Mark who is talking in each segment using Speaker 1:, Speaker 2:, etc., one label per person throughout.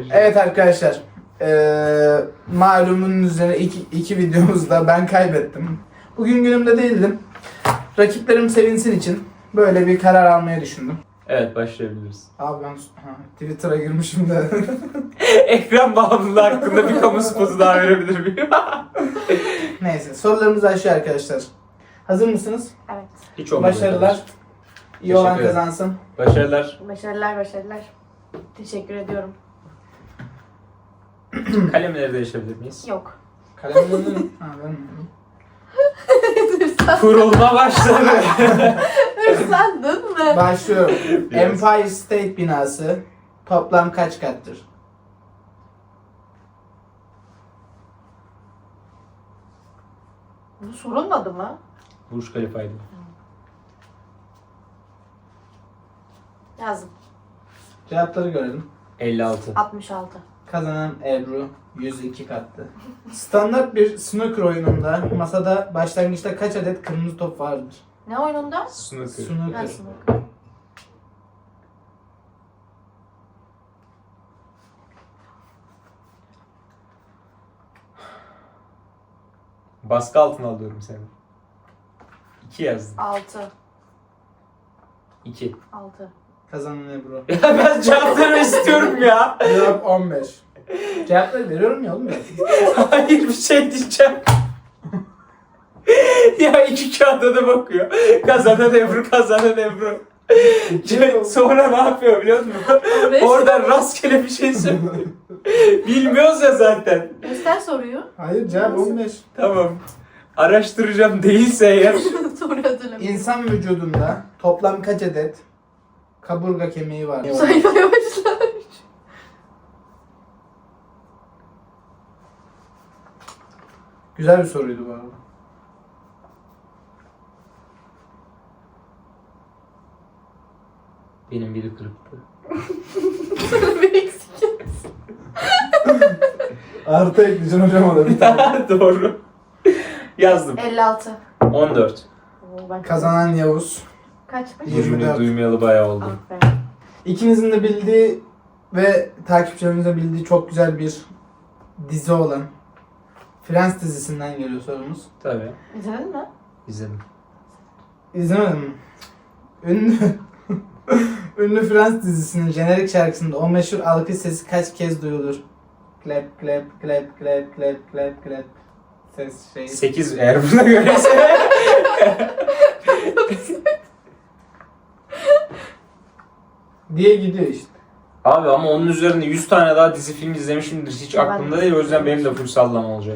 Speaker 1: Evet arkadaşlar. Malumunun üzerine iki videomuzda ben kaybettim. Bugün günümde değildim. Rakiplerim sevinsin için böyle bir karar almayı düşündüm.
Speaker 2: Evet, başlayabiliriz.
Speaker 1: Abi ben Twitter'a girmişim de.
Speaker 2: Ekran bağımlılığı hakkında bir kamu spotu daha verebilir miyim?
Speaker 1: Neyse, sorularımız başlıyor arkadaşlar. Hazır mısınız?
Speaker 3: Evet.
Speaker 2: Hiç olmadı.
Speaker 1: Başarılar. İyi olan
Speaker 2: Teşekkür ederim.
Speaker 1: kazansın.
Speaker 2: Başarılar.
Speaker 3: Başarılar. Teşekkür ediyorum.
Speaker 2: Kalemleri değişebilir miyiz?
Speaker 3: Yok.
Speaker 1: Kalemlerini ha, vermiyorum.
Speaker 2: Kurulma başladı.
Speaker 3: Hırslandın mı?
Speaker 1: Başlıyorum.
Speaker 2: Yes.
Speaker 1: Empire State binası toplam kaç kattır?
Speaker 3: Bu sorulmadı mı?
Speaker 2: Burj Khalifa'ydı.
Speaker 3: Yazdım.
Speaker 1: Cevapları görelim.
Speaker 2: 56.
Speaker 3: 66.
Speaker 1: Kazanan Ebru 102 kattı. Standart bir snooker oyununda masada başlangıçta kaç adet kırmızı top vardır?
Speaker 3: Ne oyununda?
Speaker 2: Snooker.
Speaker 1: Snooker.
Speaker 3: Nasıl?
Speaker 2: Baskı altına alıyorum seni. 2 yazdım.
Speaker 3: 6.
Speaker 2: 2.
Speaker 3: 6.
Speaker 1: Kazanan Ebru.
Speaker 2: Ya ben cevapları istiyorum ya.
Speaker 1: Cevap 15. Cevapları veriyorum ya oğlum ya.
Speaker 2: Hayır, bir şey diyeceğim. Ya iki kağıda da bakıyor. Kazanan Ebru. Sonra ne yapıyor biliyor musun? Oradan rastgele bir şey söylüyor. Bilmiyoruz ya zaten.
Speaker 3: Göster soruyu.
Speaker 1: Hayır, cevap 15.
Speaker 2: Tamam. Araştıracağım, değilse eğer.
Speaker 3: Soru hatırlamıyorum.
Speaker 1: İnsan vücudunda toplam kaç adet kaburga kemiği var?
Speaker 3: Saymaya başlar.
Speaker 1: Güzel bir soruydu bu arada.
Speaker 2: Benim biri kırıktı.
Speaker 3: Bir eksik.
Speaker 1: Artı ekleyeceksin hocam ona bir tane.
Speaker 2: Doğru. Yazdım.
Speaker 3: 56.
Speaker 2: 14.
Speaker 3: Oo, ben
Speaker 1: Kazanan Yavuz.
Speaker 3: Kaçmış?
Speaker 1: 24.
Speaker 2: Duymayalı bayağı oldu.
Speaker 3: Aferin.
Speaker 1: İkinizin de bildiği ve takipçilerimizin de bildiği çok güzel bir dizi olan Friends dizisinden geliyor sorumuz.
Speaker 2: Tabii.
Speaker 3: İzledin mi?
Speaker 2: İzledim.
Speaker 1: İzlemedin mi? Ünlü Friends dizisinin jenerik şarkısında o meşhur alkış sesi kaç kez duyulur? Clap clap clap clap clap clap clap. Ses şey.
Speaker 2: 8 eğer buna göreyse.
Speaker 1: diye gidiyor işte.
Speaker 2: Abi ama onun üzerine 100 tane daha dizi film izlemişimdir. Hiç
Speaker 3: Ben
Speaker 2: aklımda
Speaker 3: de.
Speaker 2: değil. O yüzden benim de full sallama olacak.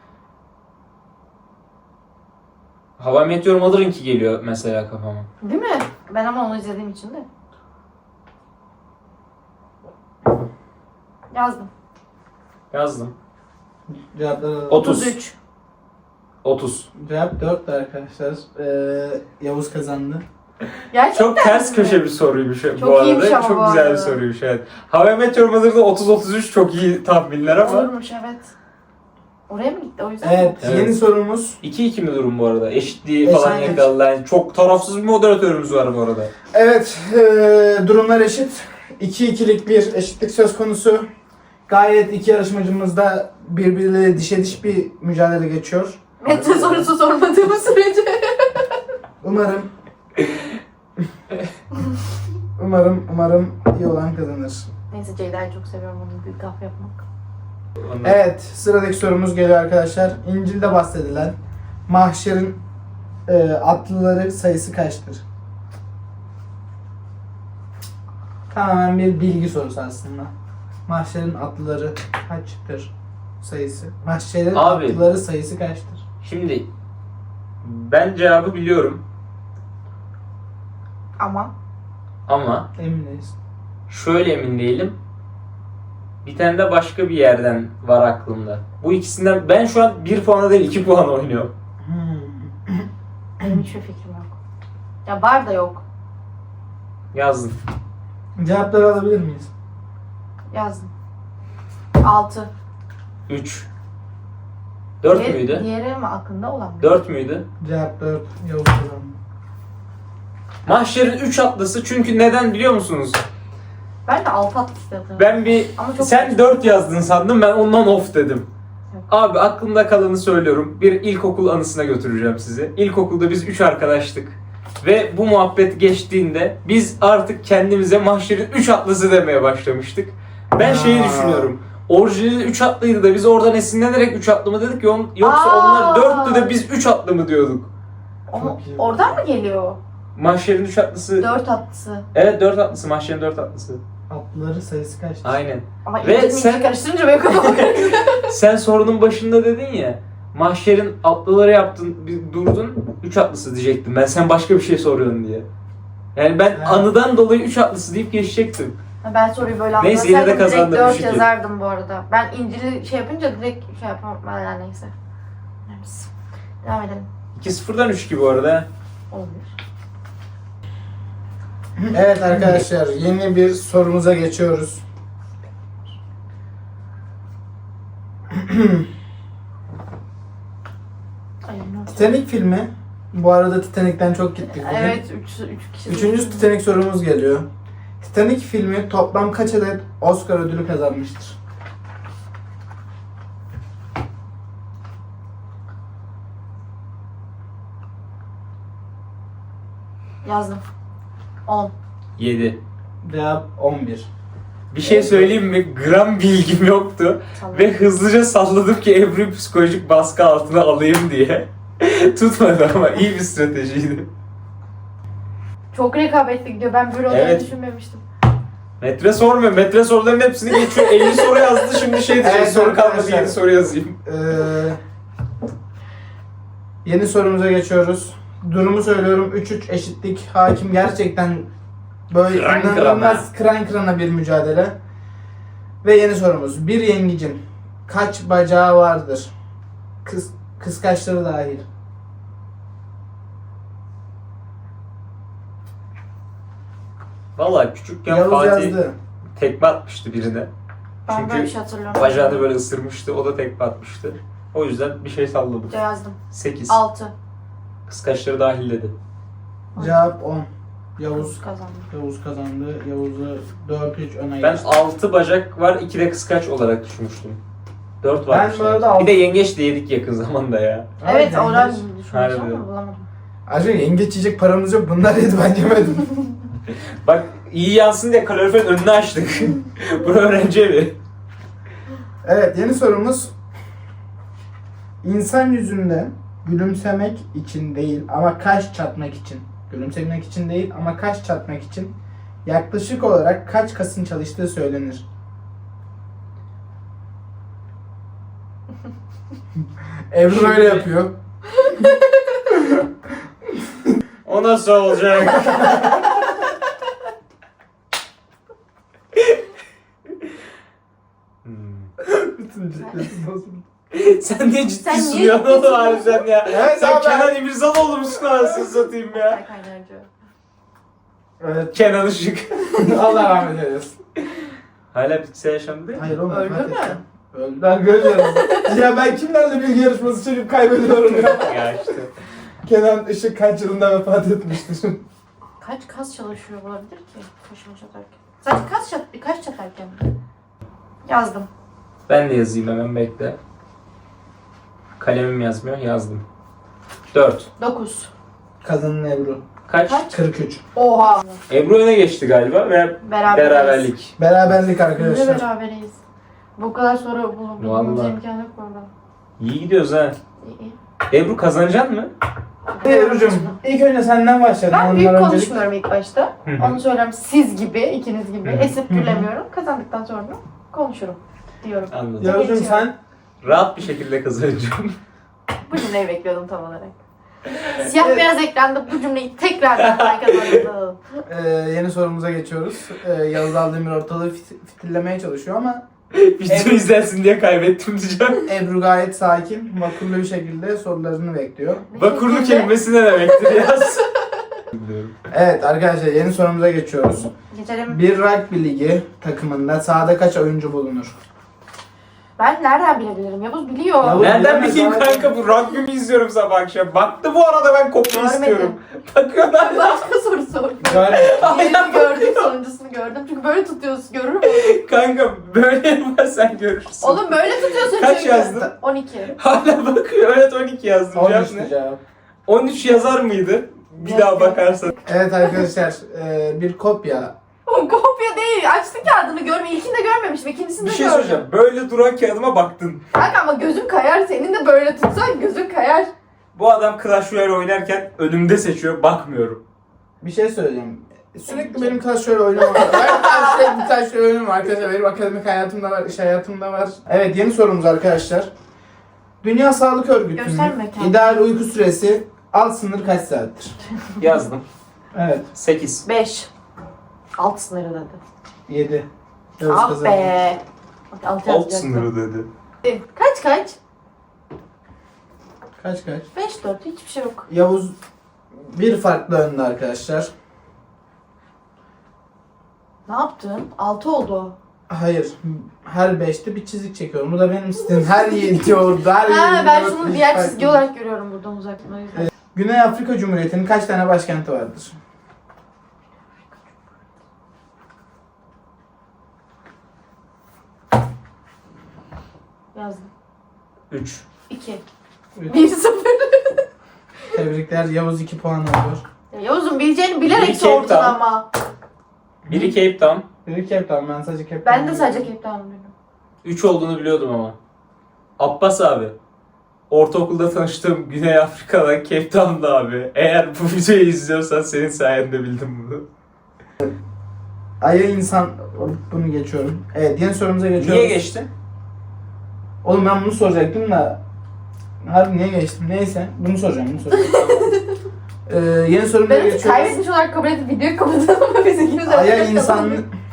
Speaker 2: Hava Meteor Mother'ınki geliyor mesela kafama.
Speaker 3: Değil mi? Ben ama onu izlediğim için de. Yazdım.
Speaker 2: Yazdım.
Speaker 1: Cevapları alalım.
Speaker 2: 30. 30.
Speaker 1: Cevap 4 arkadaşlar. Yavuz kazandı.
Speaker 3: Gerçekten
Speaker 2: Çok ters
Speaker 3: mi?
Speaker 2: köşe bir soruymuş
Speaker 3: Çok
Speaker 2: bu
Speaker 3: iyiymiş
Speaker 2: arada.
Speaker 3: ama
Speaker 2: Çok
Speaker 3: bu
Speaker 2: güzel bir
Speaker 3: arada.
Speaker 2: soruymuş, evet. Hava Meteor Mother'da 30-33 çok iyi tahminler ama.
Speaker 3: Olurmuş, evet. Oraya mı gitti o yüzden?
Speaker 1: Evet,
Speaker 2: Evet.
Speaker 1: yeni sorumuz.
Speaker 2: 2-2 mi durum bu arada? Eşitliği falan
Speaker 1: Eşit.
Speaker 2: yakaladılar. Yani çok tarafsız bir moderatörümüz var bu arada.
Speaker 1: Evet, durumlar eşit. 2-2'lik bir eşitlik söz konusu. Gayet iki yarışmacımız da birbirleriyle dişe diş bir mücadele geçiyor.
Speaker 3: Mete sorusu sormadığım sürece.
Speaker 1: Umarım iyi olan kazanır.
Speaker 3: Neyse, Ceyda'yı çok seviyorum, onun büyük laf yapmak.
Speaker 2: Ondan-
Speaker 1: Evet, sıradaki sorumuz geliyor arkadaşlar. İncil'de bahsedilen mahşerin atlıları sayısı kaçtır? Tamamen bir bilgi sorusu aslında. Mahşerin atlıları kaçtır sayısı? Mahşerin
Speaker 2: Abi.
Speaker 1: atlıları sayısı kaçtır?
Speaker 2: Şimdi ben cevabı biliyorum ama
Speaker 1: Emin değiliz.
Speaker 2: şöyle emin değilim. Bir tane de başka bir yerden var aklımda. Bu ikisinden ben şu an 1 puana değil 2 puan oynuyorum.
Speaker 3: Benim hiçbir fikrim yok. Ya var da yok.
Speaker 2: Yazdım.
Speaker 1: Cevapları alabilir miyiz?
Speaker 3: Yazdım. 6.
Speaker 2: 3. 4 müydü?
Speaker 3: Diğeri mi aklında olan mı?
Speaker 2: 4 müydü?
Speaker 1: Cevap 4. Yavuz kazandı.
Speaker 2: Mahşer'in 3 atlısı, çünkü neden biliyor musunuz?
Speaker 3: Ben de 6 atlısı yazarım.
Speaker 2: Ben bir...
Speaker 3: Ama çok
Speaker 2: Sen 4 yazdın sandım, ben ondan off dedim.
Speaker 3: Yok.
Speaker 2: Abi aklımda kalanı söylüyorum. Bir ilkokul anısına götüreceğim sizi. İlkokulda biz 3 arkadaştık. Ve bu muhabbet geçtiğinde biz artık kendimize Mahşer'in 3 atlısı demeye başlamıştık. Ben şeyi
Speaker 1: Aa.
Speaker 2: düşünüyorum. Orijinali 3 atlıydı da biz oradan esinlenerek 3 atlı mı dedik yoksa onlar 4'tü de biz 3 atlı mı diyorduk?
Speaker 3: Ama oradan mı geliyor?
Speaker 2: Mahşer'in 3 atlısı.
Speaker 3: 4 atlısı.
Speaker 2: Evet 4 atlısı. Mahşer'in 4 atlısı.
Speaker 1: Atlıları sayısı kaçtı?
Speaker 2: Aynen.
Speaker 3: Ama
Speaker 2: Ve
Speaker 3: İngilizce
Speaker 2: sen-
Speaker 3: karıştırınca benim kafam karıştı.
Speaker 2: Sen sorunun başında dedin ya. Mahşer'in atlıları yaptın, bir durdun. 3 atlısı diyecektim ben. Sen başka bir şey soruyorsun diye. Yani ben
Speaker 1: Evet.
Speaker 2: anıdan dolayı 3 atlısı deyip geçecektim.
Speaker 3: Ben soruyu böyle
Speaker 2: Neyse, yine de
Speaker 3: anlasaydım direkt
Speaker 2: kazandım,
Speaker 3: 4
Speaker 2: şükür.
Speaker 3: yazardım bu arada. Ben İncil'i şey yapınca direkt şey yapamam. Ben neyse. Neyse. Devam edelim.
Speaker 2: 2-0'dan 3 gibi bu arada.
Speaker 3: Olabilir.
Speaker 1: Evet arkadaşlar, yeni bir sorumuza geçiyoruz.
Speaker 3: Ay, ne
Speaker 1: Titanic filmi. Bu arada Titanic'ten çok gittik bugün.
Speaker 3: Evet 3 kişi.
Speaker 1: Üçüncü Titanic sorumuz geliyor. Titanic filmi toplam kaç adet Oscar ödülü kazanmıştır?
Speaker 3: Yazdım. 10.
Speaker 2: 7.
Speaker 1: Cevap 11.
Speaker 2: Bir şey söyleyeyim mi? Gram bilgim yoktu. Ve hızlıca salladım ki Ebru'yu psikolojik baskı altına alayım diye. Tutmadı ama iyi bir stratejiydi.
Speaker 3: Çok rekabetli gidiyor. Ben böyle olacağını
Speaker 2: Evet.
Speaker 3: düşünmemiştim.
Speaker 2: Metre sormuyor. Metre soruların hepsini geçiyor. 50 soru yazdı. Şimdi şey diyecek.
Speaker 1: Evet,
Speaker 2: soru kalmadı.
Speaker 1: arkadaşlar.
Speaker 2: Yeni soru yazayım.
Speaker 1: Yeni sorumuza geçiyoruz. Durumu söylüyorum. 3-3 eşitlik. Hakim gerçekten böyle
Speaker 2: Kıran
Speaker 1: inanılmaz kıran kırana bir mücadele. Ve yeni sorumuz. Bir yengecin kaç bacağı vardır? Kıskaçları dahil.
Speaker 2: Valla küçükken
Speaker 1: Yavuz
Speaker 2: Fatih
Speaker 1: yazdı.
Speaker 2: tekme atmıştı birine.
Speaker 3: Ben
Speaker 2: Çünkü
Speaker 3: böyle bir şey hatırlıyorum.
Speaker 2: bacağını böyle ısırmıştı. O da tekme atmıştı. O yüzden bir şey salladım.
Speaker 3: Yazdım.
Speaker 2: 8.
Speaker 3: 6.
Speaker 2: Kıskaçları dahil dedi.
Speaker 1: Cevap 10. Yavuz
Speaker 3: Kazandım.
Speaker 1: Yavuz kazandı. Yavuz'u 4-3 öne
Speaker 2: Ben
Speaker 1: geçti.
Speaker 2: 6 bacak var, 2 de kıskaç olarak düşünmüştüm. 4 var.
Speaker 1: Ben bu arada
Speaker 2: Bir de yengeç de yedik yakın zamanda ya.
Speaker 3: Evet
Speaker 1: yengeç.
Speaker 3: oradan düşünmüştüm
Speaker 2: Harbiden.
Speaker 3: ama bulamadım.
Speaker 1: Ayrıca yengeç yiyecek paramız yok. Bunlar yedi, ben yemedim.
Speaker 2: Bak iyi yansın diye kaloriferin önünü açtık. Bura öğrenci evi.
Speaker 1: Evet, yeni sorumuz. İnsan yüzünde gülümsemek için değil ama kaş çatmak için. Gülümsemek için değil ama kaş çatmak için yaklaşık olarak kaç kasın çalıştığı söylenir? Ebru öyle yapıyor.
Speaker 2: O nasıl olacak?
Speaker 1: Bütün ciddiyeti bozuldu.
Speaker 2: Sen niye ciddi
Speaker 3: Sen niye
Speaker 2: sunuyorsun
Speaker 3: ciddi
Speaker 2: oğlum harbiden ya?
Speaker 1: Evet,
Speaker 2: Sen
Speaker 1: abi.
Speaker 2: Kenan İmirzalıoğlu musun anasını satayım ya?
Speaker 3: Ay kaynarca.
Speaker 1: Evet.
Speaker 2: Kenan Işık.
Speaker 1: Allah rahmet eylesin.
Speaker 2: Hala bitkisel yaşamda değil mi?
Speaker 1: Hayır oğlum.
Speaker 3: Öldü
Speaker 1: vefat
Speaker 3: mü?
Speaker 1: etti. Öldü. Arkadaşlar. Ya ben kimlerle bilgi yarışması çekip kaybediyorum ya.
Speaker 2: Ya işte.
Speaker 1: Kenan Işık kaç yılında vefat etmiştir?
Speaker 3: Kaç kas çalışıyor olabilir ki kaşımı çatarken? Sadece kaç çatarken? Yazdım.
Speaker 2: Ben de yazayım hemen bekle. Kalemim yazmıyor, yazdım. 4.
Speaker 3: 9.
Speaker 1: Kazanan Ebru.
Speaker 2: Kaç?
Speaker 3: Kaç?
Speaker 1: 43.
Speaker 3: Oha.
Speaker 2: Ebru öne geçti galiba ve beraberlik.
Speaker 1: Beraberlik
Speaker 3: Ne
Speaker 1: arkadaşlar.
Speaker 3: beraberiz. Bu kadar soru bulmamıza
Speaker 2: Vallahi.
Speaker 3: imkan yok bu arada.
Speaker 2: İyi gidiyoruz ha.
Speaker 3: İyi.
Speaker 2: Ebru kazanacak mı?
Speaker 1: Ebru'cum ilk önce senden başlayalım.
Speaker 3: Ben büyük
Speaker 1: Ondan öncelik-
Speaker 3: konuşmuyorum ilk başta.
Speaker 2: Hı hı.
Speaker 3: Onu söylüyorum siz gibi, ikiniz gibi
Speaker 2: Hı hı.
Speaker 3: esip gülemiyorum. Kazandıktan sonra konuşurum diyorum.
Speaker 2: Anladım.
Speaker 1: Yavuz'cum sen
Speaker 2: Rahat bir şekilde kazanacağım.
Speaker 3: Bu cümleyi bekliyordum tam olarak. Siyah beyaz ekranda bu cümleyi tekrar kazandım.
Speaker 1: yeni sorumuza geçiyoruz. Yavuz Aldemir ortalığı fitillemeye çalışıyor ama
Speaker 2: Video izlersin diye kaybettim diyeceğim.
Speaker 1: Ebru gayet sakin, vakurlu bir şekilde sorularını bekliyor.
Speaker 2: Vakurlu kelimesi ne demektir yaz?
Speaker 1: Evet arkadaşlar yeni sorumuza geçiyoruz.
Speaker 3: Geçelim.
Speaker 1: Bir rugby ligi takımında sahada kaç oyuncu bulunur?
Speaker 3: Ben nereden bilebilirim? Yavuz biliyor.
Speaker 1: Yavuz-
Speaker 2: Nereden
Speaker 1: bilemez
Speaker 2: bileyim
Speaker 1: abi.
Speaker 2: kanka, bu rugby mi izliyorum sabah akşam? Baktı bu arada, ben kopya
Speaker 3: Görmedim.
Speaker 2: istiyorum. Bakıyorlar.
Speaker 3: Başka soru sor.
Speaker 1: Görmedim.
Speaker 3: Diğerini gördüm, sonuncusunu gördüm. Çünkü böyle tutuyorsun, görür müsün?
Speaker 2: Kanka böyle yaparsan görürsün.
Speaker 3: Oğlum böyle tutuyorsun
Speaker 2: Kaç
Speaker 3: çünkü.
Speaker 2: yazdın?
Speaker 3: 12.
Speaker 2: Hala bakıyor. Evet 12 yazdım. Cevap
Speaker 1: 13
Speaker 2: ne?
Speaker 1: cevap.
Speaker 2: 13 yazar mıydı? Bir
Speaker 3: Yok,
Speaker 2: daha
Speaker 3: yok.
Speaker 2: bakarsan.
Speaker 1: Evet arkadaşlar bir kopya.
Speaker 3: O kopya değil. Açtı kağıdını görme. İlkini de görmemişim. İkincisini
Speaker 2: Bir
Speaker 3: de
Speaker 2: şey
Speaker 3: gördüm.
Speaker 2: söyleyeceğim. Böyle duran kağıdıma baktın.
Speaker 3: Kanka ama gözüm kayar. Senin de böyle tutsan gözün kayar.
Speaker 2: Bu adam Clash Royale oynarken önümde seçiyor. Bakmıyorum.
Speaker 1: Bir şey söyleyeceğim. Sürekli benim Clash Royale oynamam. Ben sürekli Clash Royale oynuyorum arkadaşlar. Benim akademik hayatımda var, iş hayatımda var. Evet yeni sorumuz arkadaşlar. Dünya Sağlık Örgütü'nün
Speaker 3: Gösterme kendini.
Speaker 1: ideal uyku süresi alt sınır kaç saattir?
Speaker 2: Yazdım.
Speaker 1: Evet
Speaker 2: 8.
Speaker 3: 5. Alt sınırı dedi.
Speaker 1: 7.
Speaker 3: Ah be. Bak alt
Speaker 2: Alt
Speaker 3: yazacaktım.
Speaker 2: sınırı dedi.
Speaker 3: Kaç?
Speaker 1: Kaç?
Speaker 3: 5-4. Hiçbir şey yok.
Speaker 1: Yavuz bir farklı önde arkadaşlar.
Speaker 3: Ne yaptın? 6 oldu.
Speaker 1: Hayır. Her 5'te bir çizik çekiyorum. Bu da benim sistemim. Her 7 oldu. Her
Speaker 3: Ha
Speaker 1: yedi
Speaker 3: ben
Speaker 1: dört,
Speaker 3: şunu
Speaker 1: beş
Speaker 3: diğer
Speaker 1: farklı.
Speaker 3: çizgi olarak görüyorum buradan uzaktan. O yüzden.
Speaker 1: Güney Afrika Cumhuriyeti'nin kaç tane başkenti vardır?
Speaker 3: Yazdım.
Speaker 2: 3.
Speaker 3: 2.
Speaker 1: Üç.
Speaker 3: 1-0.
Speaker 1: Tebrikler. Yavuz 2 puan alıyor.
Speaker 3: Ya Yavuz'un bileceğini bilerek
Speaker 2: Bir
Speaker 3: sordun
Speaker 2: Cape Town.
Speaker 3: ama.
Speaker 2: Biri Cape Town.
Speaker 1: Biri Cape Town. Ben sadece Cape
Speaker 3: Ben
Speaker 1: Town
Speaker 3: de sadece
Speaker 1: biliyorum.
Speaker 3: Cape Town bildim.
Speaker 2: 3 olduğunu biliyordum ama. Abbas abi. Ortaokulda tanıştığım Güney Afrika'da Cape Town'da abi. Eğer bu videoyu izliyorsan senin sayende bildim bunu.
Speaker 1: Ay'a insan... Bunu geçiyorum. Evet yeni sorumuza geçiyoruz.
Speaker 2: Niye geçtin?
Speaker 1: Oğlum ben bunu soracaktım da... Harbi niye geçtim? Neyse. Bunu soracağım. Yeni sorumuza
Speaker 3: Ben hiç
Speaker 1: geçiyoruz.
Speaker 3: kaybetmiş olarak kabul edip videoyu kapatalım ama biz ikimiz de
Speaker 1: Ay'a insan...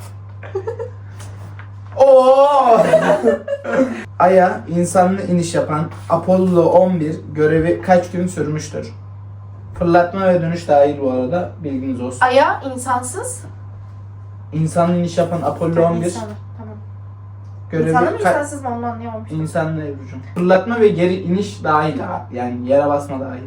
Speaker 1: Oo! Ay'a insanlı iniş yapan Apollo 11 görevi kaç gün sürmüştür? Fırlatma ve dönüş dahil bu arada. Bilginiz olsun.
Speaker 3: Aya insansız.
Speaker 1: İnsanlı iniş yapan Apollo 11
Speaker 3: İnsanlı. Tamam.
Speaker 1: görevi
Speaker 3: İnsanlı mı
Speaker 1: ka-
Speaker 3: insansız mı onu anlayamamıştım.
Speaker 1: İnsanlı Ebru'cum. Fırlatma ve geri iniş dahil. Yani yere basma dahil.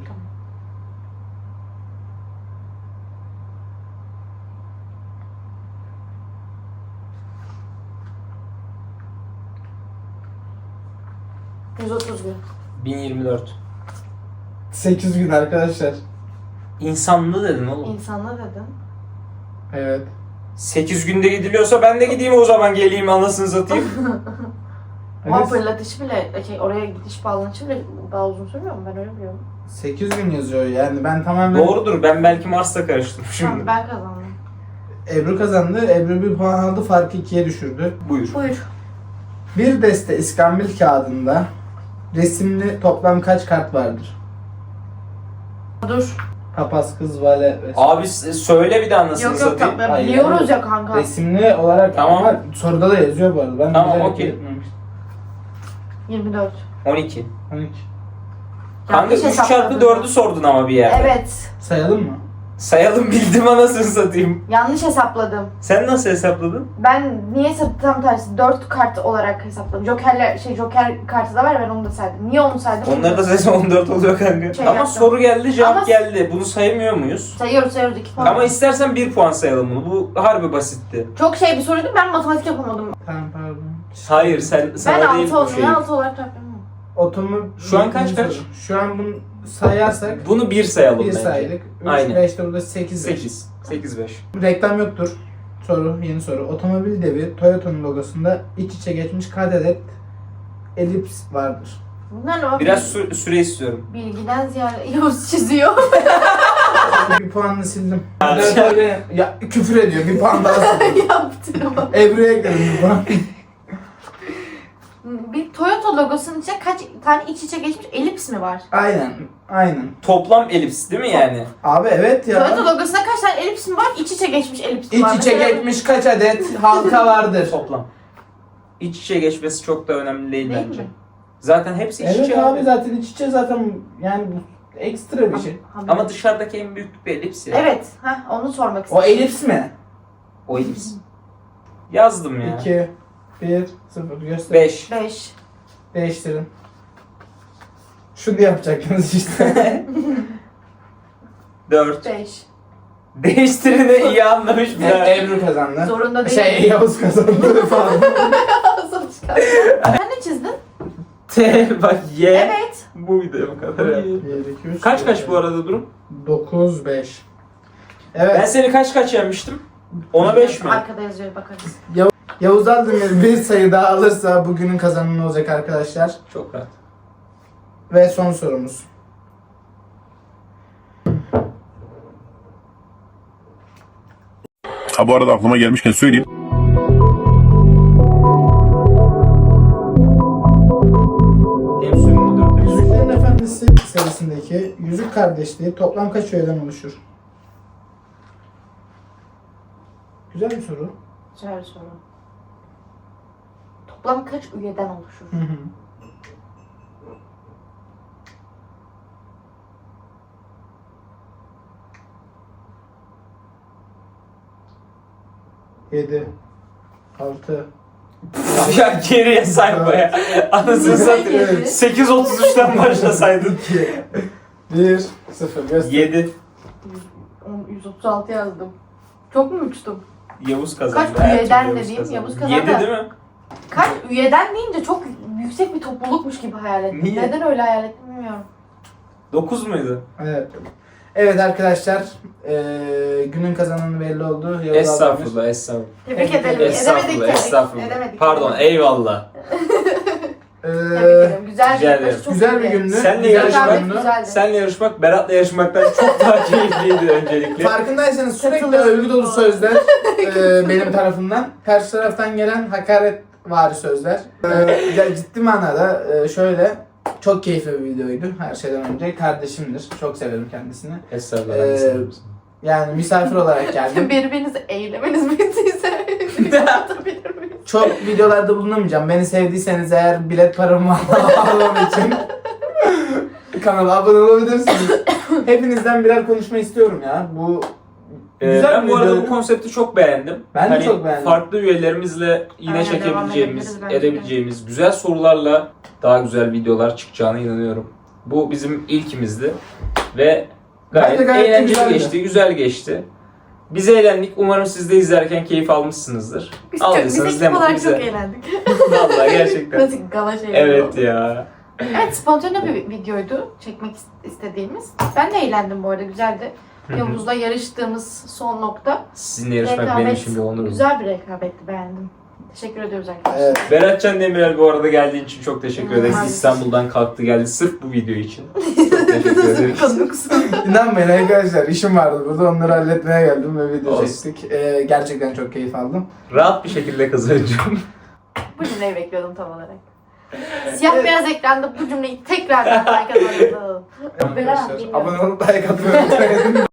Speaker 3: Tamam. 130 gün.
Speaker 2: 1024.
Speaker 1: 8 gün arkadaşlar.
Speaker 2: İnsanlı dedin oğlum.
Speaker 3: İnsanlı dedin.
Speaker 1: Evet.
Speaker 2: 8 günde gidiliyorsa ben de gideyim o zaman, geleyim anasını satayım.
Speaker 3: Ama
Speaker 1: Evet.
Speaker 3: fırlatışı bile, oraya gidiş bağlanışı bile daha uzun sürmüyor mu? Ben öyle biliyorum.
Speaker 1: 8 gün yazıyor yani ben tamamen...
Speaker 2: Doğrudur, ben belki Mars'ta karıştım
Speaker 3: Tamam
Speaker 2: şimdi.
Speaker 3: ben kazandım.
Speaker 1: Ebru kazandı. Ebru bir puan aldı. Farkı 2'ye düşürdü.
Speaker 2: Buyur.
Speaker 3: Buyur.
Speaker 1: Bir deste iskambil kağıdında resimli toplam kaç kart vardır?
Speaker 3: Dur.
Speaker 1: Papaz, kız, vale vesaire.
Speaker 2: Abi söyle bir de anasını
Speaker 3: Yok yok
Speaker 2: satayım.
Speaker 3: ben
Speaker 1: Hayır,
Speaker 3: biliyoruz
Speaker 1: hayır.
Speaker 3: ya kanka.
Speaker 1: Resimli olarak
Speaker 2: Tamam.
Speaker 1: ama soruda da yazıyor bu arada. Ben
Speaker 2: Tamam,
Speaker 1: bilerek
Speaker 2: okey.
Speaker 1: yapmamıştım.
Speaker 3: 24.
Speaker 2: 12.
Speaker 1: 12.
Speaker 2: Kanka 3 çarpı 4'ü sordun ama bir yerde.
Speaker 3: Evet.
Speaker 1: Sayalım mı?
Speaker 2: Sayalım, bildim anasını satayım.
Speaker 3: Yanlış hesapladım.
Speaker 2: Sen nasıl hesapladın?
Speaker 3: Ben niye tam tersi 4 kart olarak hesapladım. Joker kartı da var, ben onu da saydım. Niye onu saydım?
Speaker 2: Onları da saysan 14 oluyor kanka.
Speaker 3: Şey
Speaker 2: Ama
Speaker 3: yaptım.
Speaker 2: soru geldi, cevap
Speaker 3: Ama-
Speaker 2: geldi. Bunu saymıyor muyuz?
Speaker 3: Sayıyoruz 2 puan.
Speaker 2: Ama istersen 1 puan sayalım bunu. Bu harbi basitti.
Speaker 3: Çok bir soruydu, ben matematik yapamadım.
Speaker 1: Tamam pardon.
Speaker 2: Hayır, sana
Speaker 3: Ben
Speaker 2: değil
Speaker 3: 6
Speaker 2: bu
Speaker 3: olsun
Speaker 2: şey.
Speaker 3: ya 6 olarak yapıyorum.
Speaker 1: Otomu...
Speaker 2: Şu an kaç?
Speaker 1: Şu an bunu sayarsak
Speaker 2: Bunu 1 sayalım
Speaker 1: 1
Speaker 2: bence.
Speaker 1: saydık. 3,
Speaker 2: Aynen.
Speaker 1: 5 de burada 8.
Speaker 2: 8. 8-5.
Speaker 1: Reklam yoktur. Yeni soru. Otomobil devi Toyota'nın logosunda iç içe geçmiş kaç adet elips vardır?
Speaker 3: Bunlar ne?
Speaker 2: Biraz süre istiyorum.
Speaker 3: Bilgiden ziyade Yavuz çiziyor.
Speaker 1: Bir puanını sildim. Ya küfür ediyor. Bir puan daha sildim.
Speaker 3: Yaptım.
Speaker 1: Ebru'ya ekledim bir puan.
Speaker 3: Bir Toyota logosunun içine kaç tane iç içe geçmiş elips mi var?
Speaker 1: Aynen.
Speaker 2: Toplam elips değil mi yani?
Speaker 1: Abi evet ya.
Speaker 3: Toyota logosunda kaç tane elips mi var? İç içe geçmiş elips mi var?
Speaker 1: İç içe
Speaker 3: Mesela-
Speaker 1: geçmiş kaç adet halka vardır?
Speaker 2: Toplam. İç içe geçmesi çok da önemli değil
Speaker 3: Değil
Speaker 2: bence.
Speaker 3: mi?
Speaker 2: Zaten hepsi iç
Speaker 1: Evet
Speaker 2: içe
Speaker 1: abi zaten iç içe zaten yani bu ekstra bir şey.
Speaker 2: Ama dışarıdaki en büyük bir elips ya.
Speaker 3: Evet, onu sormak
Speaker 1: O
Speaker 3: istedim.
Speaker 1: elips mi?
Speaker 2: O elips. Yazdım ya.
Speaker 1: 2, 1, 0 göster.
Speaker 2: 5.
Speaker 3: 5.
Speaker 1: Değiştirin. Şunu yapacaktınız işte.
Speaker 2: 4.
Speaker 3: 5.
Speaker 2: Değiştirini iyi anlamış bir daha.
Speaker 1: Ebru kazandı.
Speaker 3: Zorunda değil.
Speaker 1: Yavuz kazandı falan.
Speaker 3: Sonuç kaldı. Sen ne çizdin?
Speaker 2: T bak Y.
Speaker 3: Evet.
Speaker 2: Bu video bu kadar ya.
Speaker 1: 1, 2, 3,
Speaker 2: Kaç bu arada durum?
Speaker 1: 9, 5.
Speaker 2: Ben
Speaker 1: Evet.
Speaker 2: seni kaç yenmiştim? 10'a 5 mi?
Speaker 3: Arkada yazıyor bakarız.
Speaker 1: Yavuz Aldemir bir sayı daha alırsa bugünün kazananı olacak arkadaşlar.
Speaker 2: Çok rahat.
Speaker 1: Ve son sorumuz.
Speaker 4: Ha bu arada aklıma gelmişken söyleyeyim.
Speaker 2: Temsil müdür.
Speaker 1: Yüzüklerin Efendisi serisindeki Yüzük Kardeşliği toplam kaç öğeden oluşur? Güzel bir soru.
Speaker 3: Güzel bir soru. Toplam kaç üyeden oluşur?
Speaker 1: Hı hı. Yedi, 6,
Speaker 2: Ya geriye sayma ya. Anasını satayım.
Speaker 3: Yedi.
Speaker 2: 8.33'ten başlasaydın.
Speaker 1: 1, 0. Göster.
Speaker 2: 7.
Speaker 3: 136 yazdım. Çok mu uçtum?
Speaker 2: Yavuz kazandı.
Speaker 3: Kaç
Speaker 2: Her
Speaker 3: üyeden
Speaker 2: türlü
Speaker 3: dediğim Yavuz kazandı.
Speaker 2: 7 değil mi?
Speaker 3: Kaç üyeden deyince çok yüksek bir toplulukmuş gibi hayal ettim.
Speaker 2: Niye?
Speaker 3: Neden öyle hayal ettim bilmiyorum.
Speaker 2: 9 muydu?
Speaker 1: Evet. Evet arkadaşlar, günün kazananı belli oldu. Yavuz Aldemir.
Speaker 2: Estağfurullah, estağfurullah.
Speaker 3: Tebrik ederim.
Speaker 2: Estağfurullah,
Speaker 3: Edemedik.
Speaker 2: estağfurullah.
Speaker 3: Edemedik.
Speaker 2: Pardon, eyvallah.
Speaker 3: Tebrik ederim. Güzel
Speaker 2: Rica ederim.
Speaker 3: yarışma, çok
Speaker 1: Güzel bir
Speaker 3: iyiydi.
Speaker 1: gündü.
Speaker 2: Senle
Speaker 1: Güzel bir
Speaker 2: yarışmak-
Speaker 1: gündü.
Speaker 3: Güzeldi.
Speaker 2: Seninle yarışmak, Berat'la yarışmaktan çok daha keyifliydi öncelikle.
Speaker 1: Farkındaysanız sürekli
Speaker 3: Katılıyorum.
Speaker 1: övgü dolu sözler benim tarafımdan. Karşı taraftan gelen hakaret vari sözler. Ya ciddi manada şöyle çok keyifli bir videoydu her şeyden önce. Kardeşimdir. Çok severim kendisini.
Speaker 2: Estağfurullah.
Speaker 1: Ee,
Speaker 2: ben de seviyorum seni.
Speaker 1: Yani misafir olarak geldim.
Speaker 3: Birbirinizi eylemeniz bittiyse atabilir miyiz?
Speaker 1: Çok videolarda bulunamayacağım. Beni sevdiyseniz eğer bilet paramı almam için kanala abone olabilirsiniz. Hepinizden birer konuşma istiyorum ya. Bu güzel
Speaker 2: Ben
Speaker 1: bir
Speaker 2: bu arada
Speaker 1: videoydu.
Speaker 2: bu konsepti çok beğendim.
Speaker 1: Ben de
Speaker 2: Hani
Speaker 1: çok beğendim.
Speaker 2: Farklı üyelerimizle yine
Speaker 3: Aynen, devam
Speaker 2: çekebileceğimiz,
Speaker 3: edebiliriz bence de.
Speaker 2: edebileceğimiz güzel sorularla daha güzel videolar çıkacağına inanıyorum. Bu bizim ilkimizdi ve
Speaker 1: Bence
Speaker 2: gayet,
Speaker 1: gayet de
Speaker 2: eğlenceli
Speaker 1: güzeldi.
Speaker 2: geçti, güzel geçti. Biz eğlendik. Umarım siz de izlerken keyif almışsınızdır.
Speaker 3: Biz
Speaker 2: Aldıysanız ne
Speaker 3: ekip
Speaker 2: mutlu
Speaker 3: olarak
Speaker 2: bize.
Speaker 3: çok eğlendik.
Speaker 2: Vallahi gerçekten.
Speaker 3: Klasik gala şeyleri
Speaker 2: Evet
Speaker 3: oldu.
Speaker 2: ya.
Speaker 3: Evet, spontane bir videoydu çekmek istediğimiz. Ben de eğlendim bu arada, güzeldi.
Speaker 2: Hı hı.
Speaker 3: Yavuz'la yarıştığımız son nokta.
Speaker 2: Sizinle yarışmak benim
Speaker 3: Rekabet,
Speaker 2: için bir onur.
Speaker 3: güzel bir rekabetti, beğendim. Teşekkür ediyoruz arkadaşlar.
Speaker 1: Evet.
Speaker 2: Beratcan Demirel bu arada geldiğin için çok teşekkür ederiz.
Speaker 3: Maalesef.
Speaker 2: İstanbul'dan kalktı geldi sırf bu video için. Çok teşekkür ederiz.
Speaker 3: Konuksun.
Speaker 1: İnanmayın arkadaşlar, işim vardı burada, onları halletmeye geldim ve video
Speaker 2: Olsun.
Speaker 1: çektik. Gerçekten çok keyif aldım.
Speaker 2: Rahat bir şekilde kazanacağım.
Speaker 3: Bu cümleyi bekliyordum tam olarak. Siyah beyaz ekranda bu cümleyi tekrar like atalım.
Speaker 1: Arkadaşlar, abone olup like atmayı unutmayın.